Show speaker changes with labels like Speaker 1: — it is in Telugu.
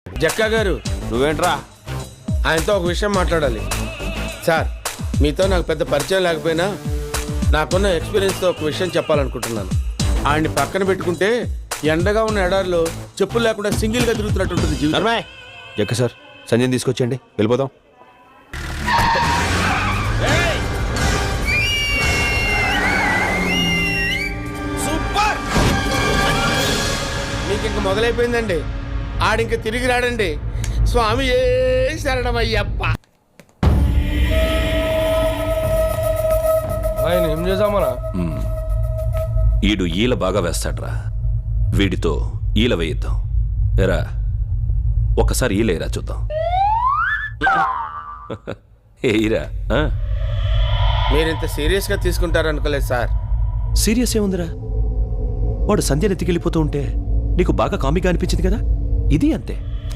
Speaker 1: జక్కా గారు,
Speaker 2: నువ్వేంట్రా?
Speaker 1: ఆయనతో ఒక విషయం మాట్లాడాలి. సార్, మీతో నాకు పెద్ద పరిచయం లేకపోయినా నాకున్న ఎక్స్పీరియన్స్తో ఒక విషయం చెప్పాలనుకుంటున్నాను. ఆయన్ని పక్కన పెట్టుకుంటే ఎండగా ఉన్న ఎడారిలో చెప్పులు లేకుండా సింగిల్గా తిరుగుతున్నట్టుంటుంది జీవితం.
Speaker 2: జక్క సార్, సంజయ్ తీసుకొచ్చేయండి, వెళ్ళిపోదాం.
Speaker 1: సూపర్! మీకు ఇంక మొదలైపోయిందండి. ఆడింక తిరిగి రాడండి. స్వామి ఏ శరణమయ్యప్ప.
Speaker 3: ఆయన ఏం చేసామరా?
Speaker 4: ఈడు ఈల బాగా వేస్తాడ్రా, వీడితో ఈల వేయిద్దాం. ఎరా, ఒకసారి ఈలేరా చూద్దాం. ఏయిరా.
Speaker 1: మీరింత సీరియస్గా తీసుకుంటారనుకోలేదు సార్.
Speaker 4: సీరియస్ ఏముందిరా? వాడు సంధ్యను ఎత్తికెళ్ళిపోతూ ఉంటే నీకు బాగా కామిగా అనిపించింది కదా, ఇది అంతే.